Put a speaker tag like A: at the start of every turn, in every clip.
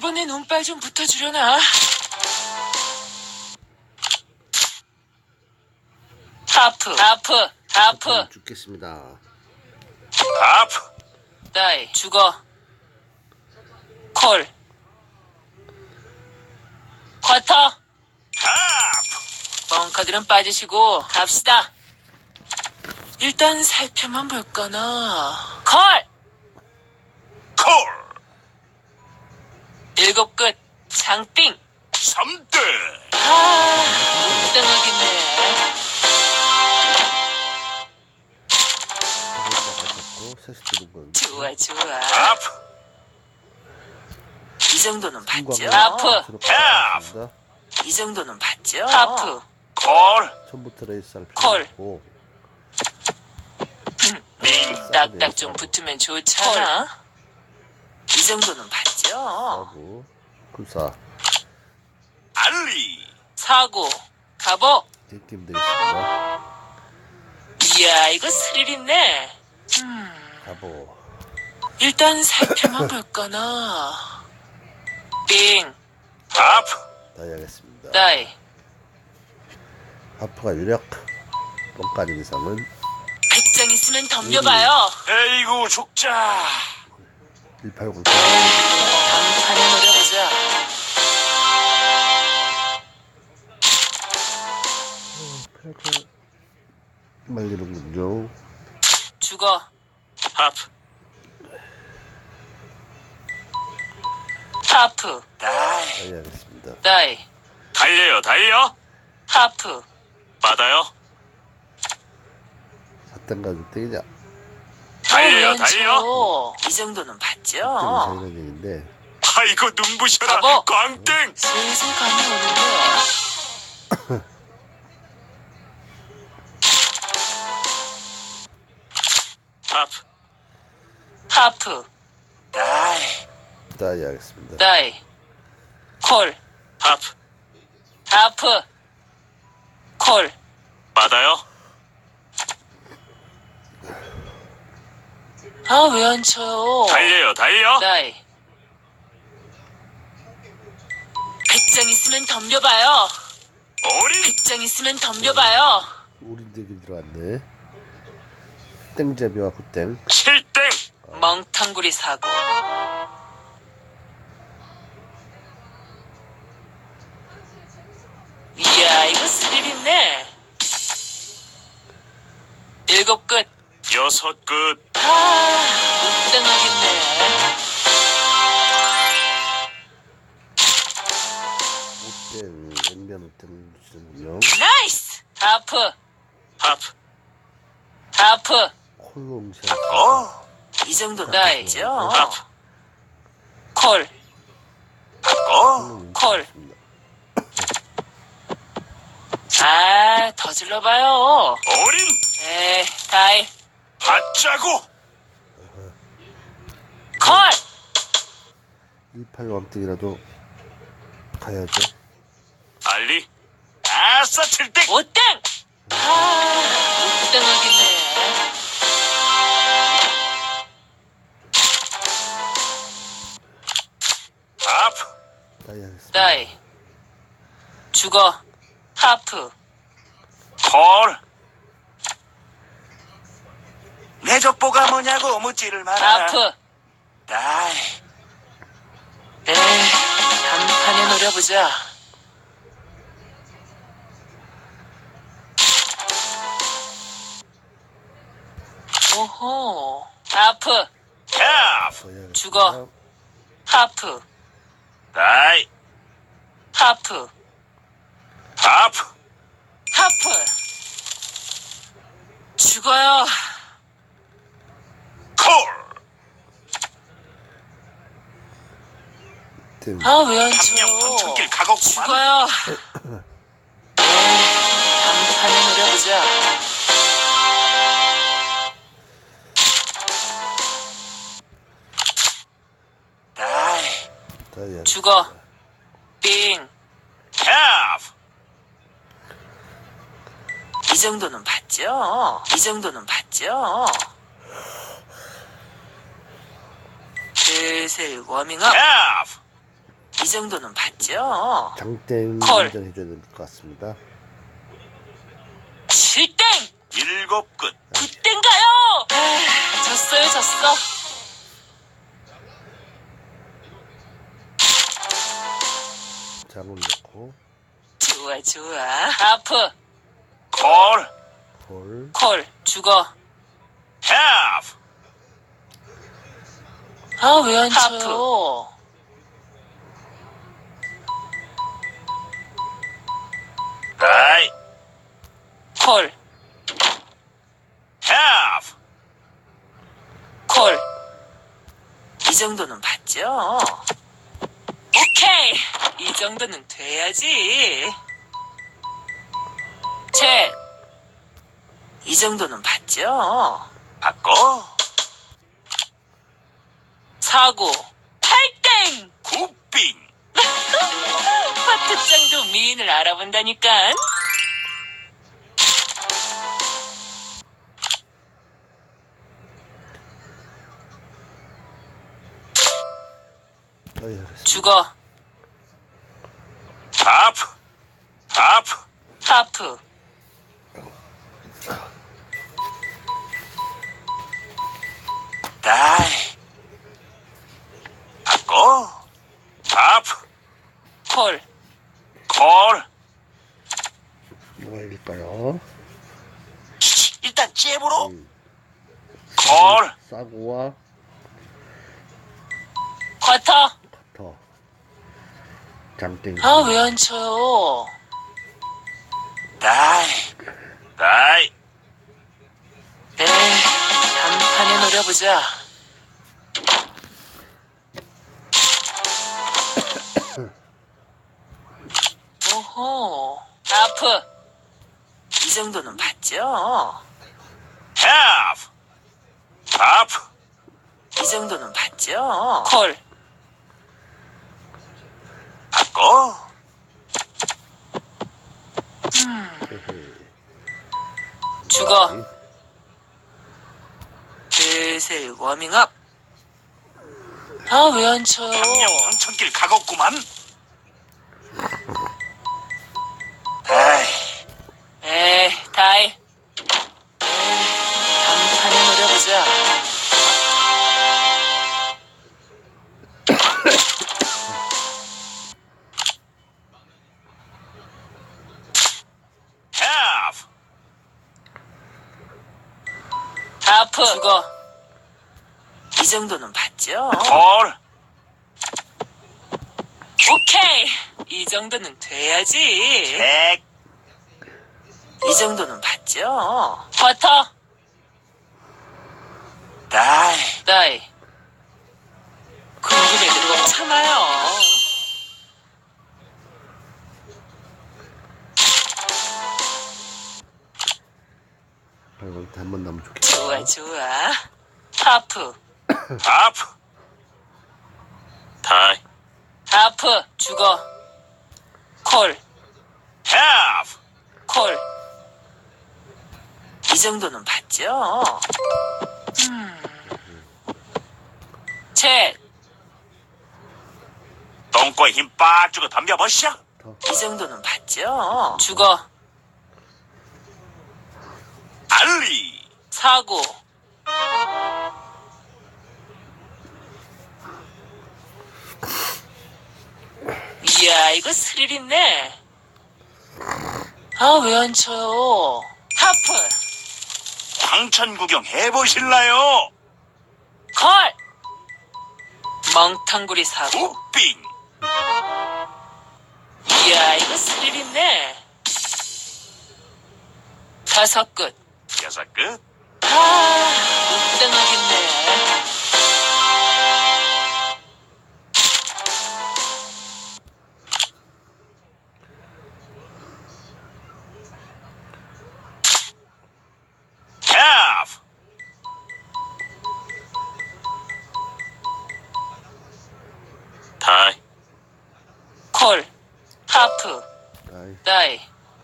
A: 이번에 눈발 좀 붙어주려나? 하프.
B: 죽겠습니다.
C: 하프.
A: 다이, 죽어. 콜. 쿼터.
C: 하프.
A: 벙커들은 빠지시고 갑시다. 일단 살펴만 볼까나. 콜.
C: 콜.
A: 7 끝. 장빙.
C: 3대.
A: 못 당하겠네.
B: 세스 들은 건
A: 좋아.
C: 하프.
A: 이 정도는 봤죠?
B: 하프.
A: 이 정도는 봤죠? 하프.
C: 콜.
B: 처음부터 레이스 할
A: 콜.
B: 필요 없고
A: 딱딱 좀 붙으면 좋잖아. 이 정도는 봤죠?
B: 하고 굴사
C: 알리.
A: 사고. 가보.
B: 게임 되겠습니다.
A: 이야, 이거 스릴 있네.
B: 가보
A: 일단 살펴만 볼까나. 빙.
C: 하프.
B: 다이 하겠습니다.
A: 다이.
B: 하프가 유력 뻥까 아닌 이상은
A: 100장 있으면 덤벼봐요.
C: 에이구 죽자.
B: 189
A: 단판에 노려보자.
B: 말리는군요.
A: 죽어.
C: 하프.
A: 하프.
C: 다이.
B: 다이 하겠습니다.
A: 다이.
C: 달려.
A: 하프.
C: 받아요.
B: 4등가 6등이냐
C: 달려.
A: 이 정도는 봤죠?
B: 6등이 상이라는 얘기인데
C: 아이고 눈부셔라.
A: 가보.
C: 광땡.
A: 슬슬 감이 오는데. 하프.
C: 다이.
B: 다이 하겠습니다.
A: 다이. 콜. 하프. 콜.
C: 받아요.
A: 아, 왜 안 쳐요?
C: 달려.
A: 다이. 100장 있으면 덤벼봐요.
C: 오린.
A: 100장 있으면 덤벼봐요.
B: 우린 대기 들어왔네. 땡제비와 굿땡
C: 7땡.
A: 멍탕구리 사고. 이야, 이거 스릴 있네. 7 끝.
C: 6 끝.
A: 못 당하겠네.
B: 5땡 액면 5땡 주시는군요.
A: 나이스! 하프.
B: 콜로 응시
A: 이 정도 나이죠?
C: 하프.
A: 콜. 콜. 아, 더 질러봐요.
C: 오린.
A: 다이.
C: 받자고.
A: 콜!
B: 18 왕등이라도 가야죠.
C: 알리. 아싸 7땡.
A: 5땡! 못 당하겠네.
C: 하프.
B: 다이 하겠습니다.
A: 다이. 죽어. 하프.
C: 콜. 내 족보가 뭐냐고 묻지를 마라.
A: 하프.
C: 다이.
A: 단판에 노려보자. 오호. 하프.
C: 하프.
B: 다이 하겠습니다.
A: 죽어. 하프.
C: 다이.
A: 하프.
C: 하프.
A: 하프. 죽어요.
C: 콜.
B: 땡.
A: 아, 왜 안
C: 삼령
A: 쳐?
C: 방천길 가곡구만.
A: 죽어요. 단판에 노려보자.
C: 다이.
B: 다이 하겠습니다.
A: 죽어. 빙.
C: 하프.
A: 이 정도는 봤죠? 슬슬 워밍업.
C: 하프.
A: 이 정도는 봤죠?
B: 장땡
A: 콜.
B: 운전해줘야 될 것 같습니다.
A: 7땡!
C: 7끝.
A: 9땡가요! 졌어요, 졌어.
B: 장을 넣고
A: 좋아, 좋아. 하프,
C: 콜.
B: 콜.
A: 콜, 죽어.
C: half.
A: 아, 왜 안 쳐요?
C: 다이.
A: 콜,
C: half.
A: 콜. 이 정도는 봤죠? 오케이! 이 정도는 돼야지. 책. 이 정도는 봤죠?
C: 바꿔.
A: 사고. 8땡!
C: 굿빙.
A: 파트장도 미인을 알아본다니깐.
B: 잘했습니다.
A: 죽어.
C: 하프. 하프.
A: 하프.
C: 다이. 바꿔. 하프.
A: 콜.
C: 콜.
B: 뭐가 이길까요?
C: 일단 잽으로.
B: 음.
C: 콜.
B: 싸구와
A: 쿼터.
B: 더 장땡.
A: 아, 왜 안 쳐요?
C: 다이. 다이.
A: 에이, 단판에 노려보자. 오호. 하프. 이 정도는 봤죠?
C: half. 하프.
A: 이 정도는 봤죠? 콜.
C: 바꿔.
A: 죽어. 슬슬 워밍업. 아, 왜 안 쳐요?
C: 당장 황천길 가겠구만. 다이.
A: 에이, 다이. 에이, 단판에 노려보자.
C: half.
A: 하프. 죽어. 이 정도는 봤죠?
C: 콜.
A: 오케이. 이 정도는 돼야지.
C: 백.
A: 이 정도는 봤죠? 쿼터.
C: 다이.
A: 다이. 궁금해도 꼭 참아요.
B: 이거 한번 남으면 좋겠다.
A: 좋아, 좋아. 하프.
C: 하프. 다이.
A: 하프. 죽어. 콜.
C: half.
A: 콜. 이 정도는 봤죠? 책.
C: 똥꼬에 힘 빠주고 덤벼보시오.
A: 이 정도는 봤죠? 죽어.
C: 알리.
A: 사고. 이야, 이거 스릴 있네. 아, 왜 안 쳐요? 하프.
C: 황천 구경 해보실라요?
A: 콜. 멍텅구리 사고.
C: 굿빙.
A: 이야, 이거 스릴 있네. 5끝.
C: 여섯 끝.
A: 못당하겠네.
C: half. 다이.
A: 콜. 하프.
B: 아이,
A: 다이.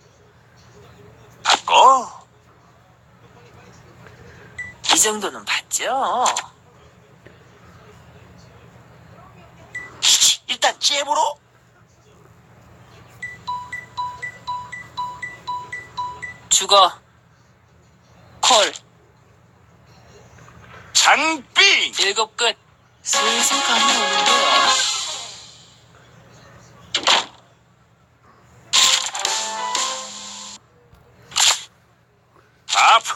C: 바꿔.
A: 이 정도는 봤죠?
C: 일단 잽으로.
A: 죽어. 콜.
C: 장빙.
A: 7 끝. 슬슬 감이 오는데요.
C: 하프.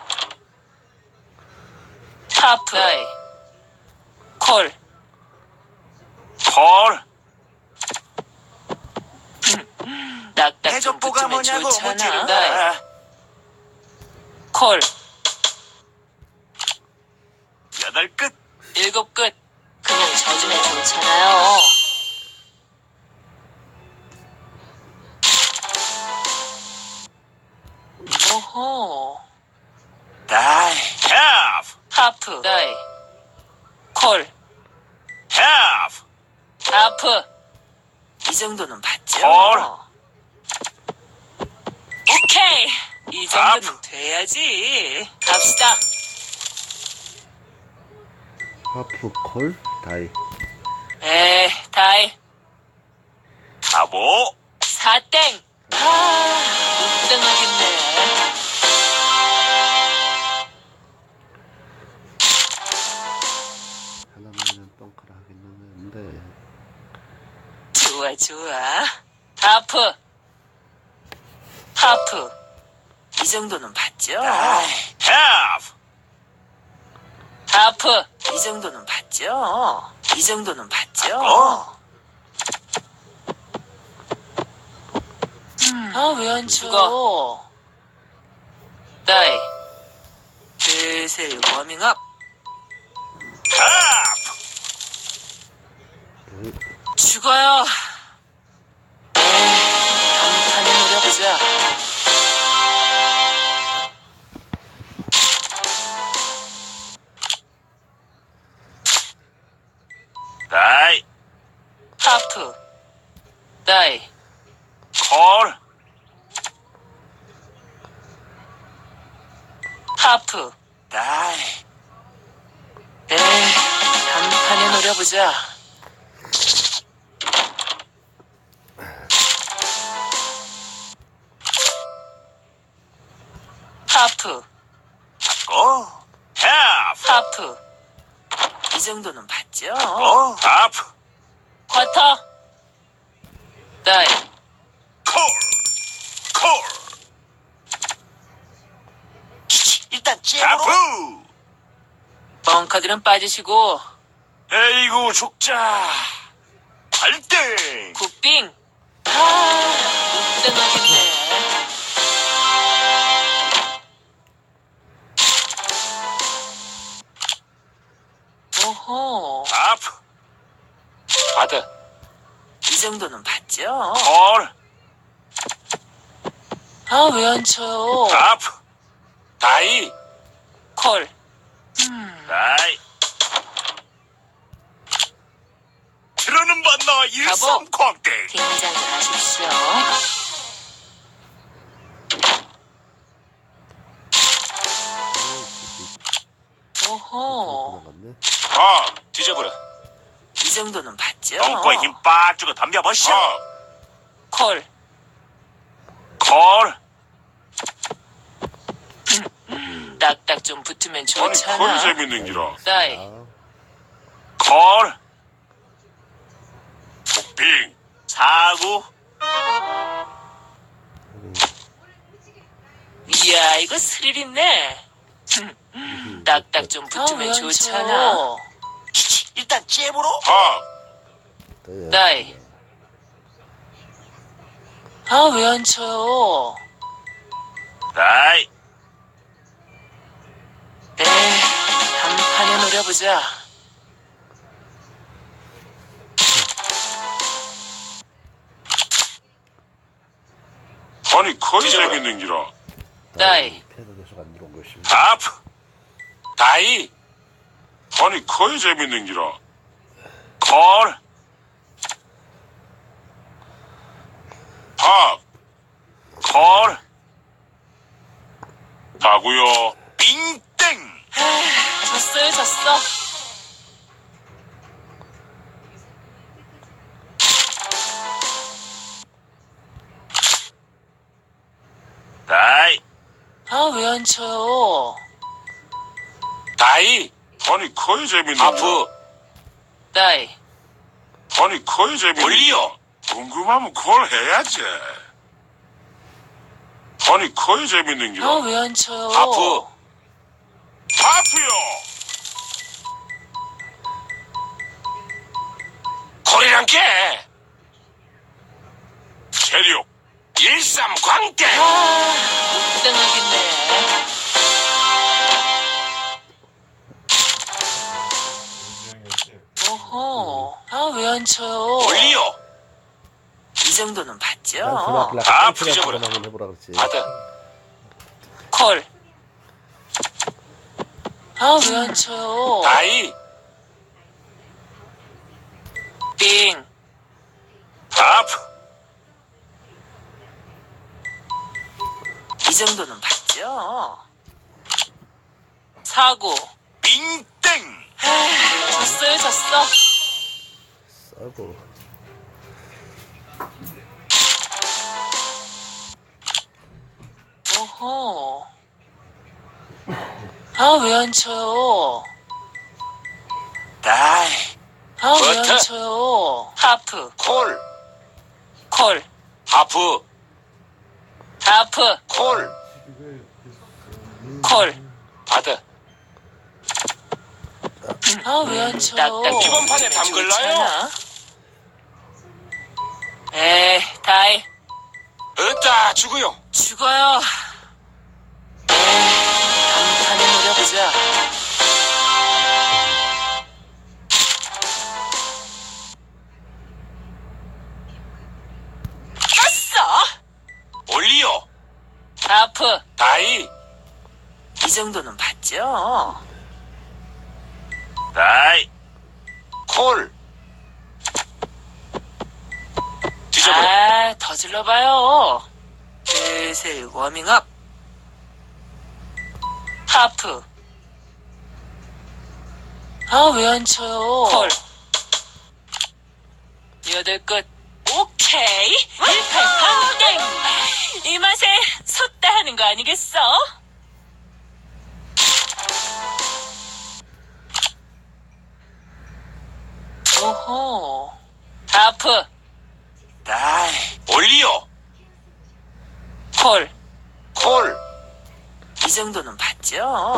A: 하프. 다이. 콜.
C: 콜.
A: 낙낙 좀
C: 대적보가
A: 붙으면
C: 뭐냐고
A: 좋잖아.
C: 묻지를
A: 다이.
C: 마라.
A: 콜.
C: 8 끝.
A: 7 끝. 그냥 져주면 좋잖아요. 오호.
C: 다이. 하프.
A: 하프. 다이. 콜.
C: 하프.
A: 하프. 이 정도는 봤죠?
C: 콜.
A: 오케이. 이 정도는
C: 하프.
A: 돼야지. 갑시다.
B: 하프 콜 다이.
A: 다이.
C: 가보.
A: 4땡. 못 당하겠네.
B: 하나만은 뻥카라 하겠는데.
A: 좋아, 좋아. 하프. 하프. 이 정도는 봤죠?
C: 다이. 하프.
A: 하프. 이 정도는 봤죠? 이 정도는 봤죠? 왜 안 죽어? 다이. 슬슬 워밍업.
C: 하프.
A: 죽어요. 간판에 노려보자.
C: 다이.
A: 하프. 다이.
C: 콜.
A: 하프.
C: 다이.
A: 간판에 노려보자. 하프.
C: 고. 하프.
A: 하프. 이 정도는 봤죠?
C: 고. 하프.
A: 쿼터. 다이.
C: 콜. 콜. 일단 잽으로. 하프.
A: 벙커들은 빠지시고
C: 에이구 죽자. 8등.
A: 굿빙. 못 당하겠네. 오호.
C: 하프.
A: 받아. 이 정도는 봤죠?
C: 콜.
A: 왜 안 쳐요?
C: 하프. 다이.
A: 콜.
C: 다이. 들어는 봤나 일삼광땡.
A: 긴장을 하십시오. 오호.
B: 나갔네.
C: 뒤져버려.
A: 이 정도는 봤죠?
C: 똥꼬에 힘 빠주고 덤벼보시오.
A: 콜.
C: 콜.
A: 딱딱 좀 붙으면 좋잖아.
C: 재밌는 기라.
A: 다이.
C: 콜. 빙. 사구.
A: 이야, 이거 스릴 있네. 딱딱 좀 붙으면 좋잖아.
C: 일단 잽으로.
A: 다이. 왜 안 쳐요?
C: 다이.
A: 단판에 노려보자.
C: 아니 거의 재밌는 기라.
A: 다이.
B: 패널에서 안 들어온 것이.
C: 하프. 다이. 아니 거의 재밌는 기라. 콜. 팝. 콜. 다구요. 빙땡.
A: 졌어요, 졌어. 왜 안 쳐요?
D: 다이.
C: 아니 커야 재밌는
D: 하프.
A: 다이.
C: 아니 커야 재밌는
D: 올리오.
C: 궁금하면 그걸 해야지. 아니 커야 재밌는 게
A: 왜 안 쳐요?
D: 하프.
C: 하프요.
D: 콜이란 게.
C: 체력.
D: 일삼광대.
A: 못 당하겠네. 어허. 왜 안 쳐요?
D: 올리오.
A: 이 정도는 봤죠?
D: 다
B: 똥치라
D: 부셔버려.
B: 한번 해보라 그랬지.
D: 받아.
A: 콜. 왜 안 쳐요?
D: 다이.
A: 빙.
D: 하프.
A: 이 정도는 봤죠? 사고.
C: 빙땡.
A: 졌어.
B: 싸고.
A: 어허. 왜 안 쳐요?
C: 다이.
A: 왜 안
D: 버터.
A: 쳐요? 하프.
D: 콜.
A: 콜.
D: 하프.
A: 하프.
D: 콜.
A: 콜.
D: 받아.
A: 왜 안 쳐요?
D: 이번 판에 담글라요?
A: 에이, 다이.
D: 으따 죽어요.
A: 죽어요. 단판에 노려보자. 떴어!
D: 올리오.
A: 하프.
D: 다이.
A: 이 정도는 봤죠?
D: 다이. 콜. 뒤져버려.
A: 더 질러봐요. 슬슬 워밍업. 하프. 왜 안 쳐요? 콜. 여덟 끝. 오케이. 18 방땡. 이 맛에 섰다 하는 거 아니겠어? 오호. 하프.
C: 다이.
D: 올리오.
A: 콜.
D: 콜.
A: 이 정도는 봤죠?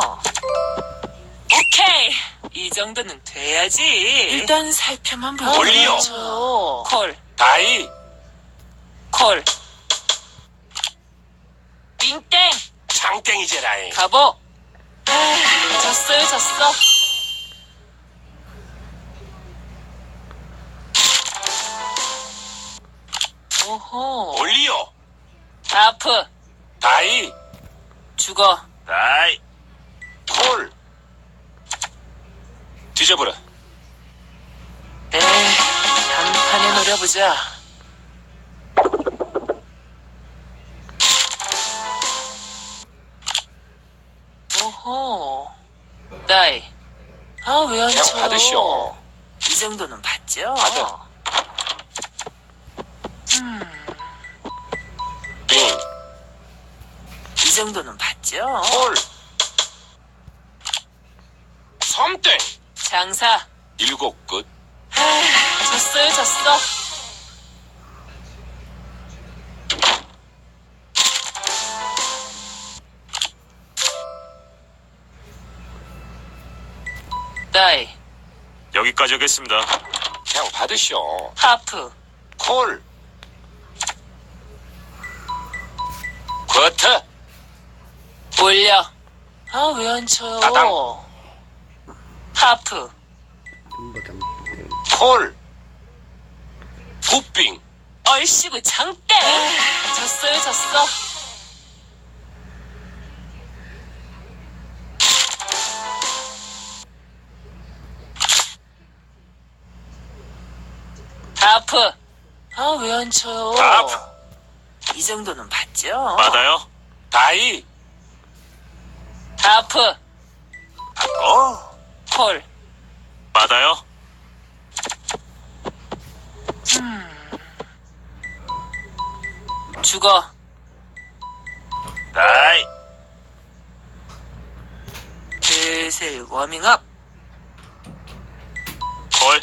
A: 오케이! 이 정도는 돼야지. 일단 살펴만 보고.
D: 올리오.
A: 콜.
D: 다이.
A: 콜. 빙땡!
D: 장땡이제라이.
A: 가보! 졌어. 오호.
D: 올리오.
A: 아프.
D: 다이.
A: 죽어.
D: 다이. 콜. 뒤져버려.
A: 단판에 노려보자. 오호. 다이. 왜 안
D: 그냥
A: 쳐요?
D: 받으시오.
A: 이 정도는 봤죠?
D: 받아. 빙.
A: 이 정도는 봤죠?
D: 콜. 섬땡.
A: 장사.
D: 일곱 끝.
A: 졌어. 다이.
D: 여기까지 하겠습니다. 그냥 받으시오.
A: 하프.
D: 콜. 버터.
A: 올려. 왜 안 쳐요?
D: 따당.
A: 하프.
B: 빙거장.
D: 콜. 굿빙.
A: 얼씨구 장땡. 졌어. 하프. 왜 안 쳐요?
D: 하프.
A: 이 정도는 봤죠?
D: 받아요. 다이.
A: 하프.
D: 받고.
A: 콜.
D: 받아요.
A: 죽어.
D: 다이.
A: 슬슬 워밍업.
D: 콜.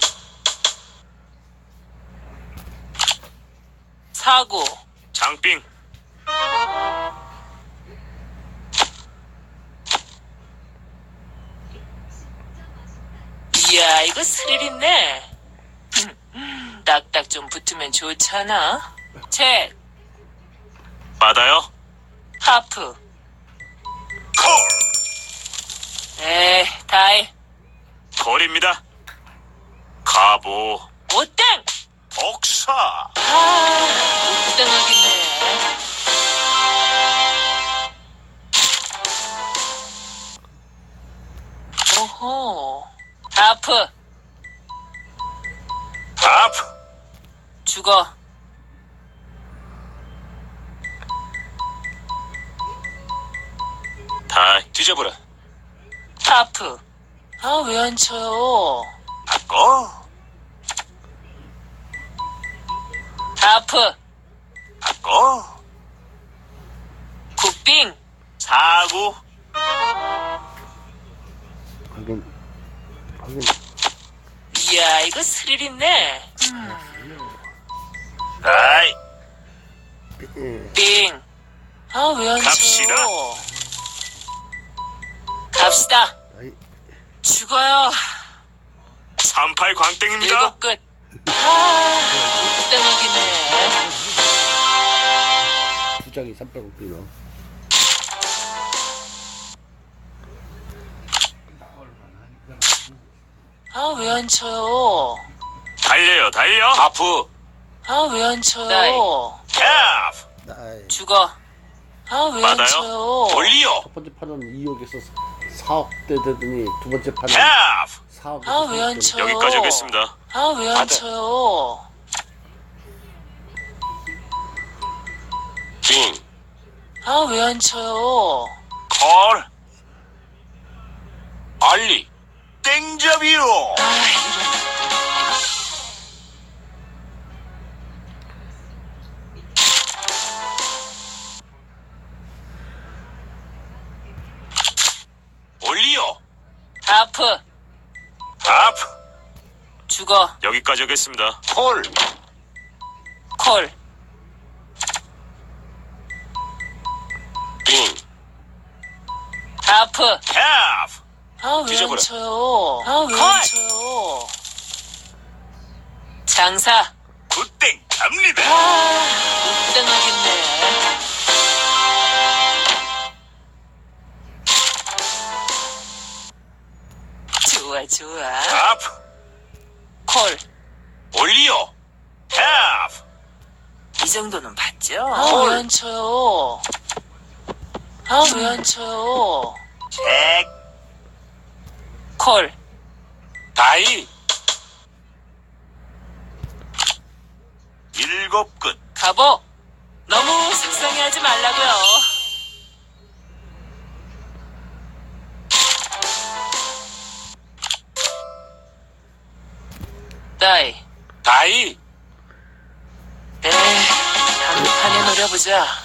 A: 사고.
D: 장빙.
A: 이야, 이거 스릴 있네. 딱딱 좀 붙으면 좋잖아. 책,
D: 받아요.
A: 하프.
C: 콜.
A: 다이.
D: 콜입니다. 가보.
A: 오땡!
C: 복사.
A: 오땡하겠네. 오호. 하프.
C: 하프.
A: 죽어.
D: 다이. 뒤져보라.
A: 하프. 왜 안 쳐요?
C: 바꿔.
A: 하프.
C: 바꿔.
A: 굿빙.
D: 사구.
B: 확인. 확인.
A: 이야, 이거 스릴 있네.
D: 다이.
B: 예.
A: 빙. 왜 안
D: 갑시다.
A: 쳐요? 갑시다.
B: 아이,
A: 죽어요.
D: 38 광땡입니다.
A: 일곱 끝. 오땡하겠네.
B: 두 장이 300억이요.
A: 왜 안 쳐요?
D: 달려요, 달려. 하프.
A: 왜 안 쳐요?
D: 캡.
B: 나이.
A: 죽어. 왜 안
D: 받아요.
A: 쳐요?
D: 올리오.
B: 첫 번째 판은 2억에서 4억대 되더니 두 번째 판은
D: 캡.
B: 4억에서
A: 왜 안 쳐요?
D: 여기까지 하겠습니다.
A: 왜 안
D: 받아.
A: 쳐요?
D: 빙.
A: 왜 안 쳐요?
D: 콜. 알리.
C: 땡잡이요.
D: 올리오.
A: 하프.
D: 하프.
A: 죽어.
D: 여기까지 하겠습니다.
C: 콜.
A: 콜.
D: 빙.
A: 하프.
D: 캡.
A: 왜 안
D: 뒤져보라.
A: 쳐요? 왜 안 쳐요? 장사.
C: 굿땡 갑니다.
A: 오땡하겠네. 좋아, 좋아.
D: 하프.
A: 콜.
D: 올리오. 캡.
A: 이 정도는 봤죠?
D: 콜.
A: 왜 안 쳐요? 왜 안 쳐요?
C: 책.
A: 콜.
D: 다이.
C: 일곱 끝.
A: 가보. 너무 속상해하지 말라고요. 다이.
D: 다이.
A: 단판에 노려보자.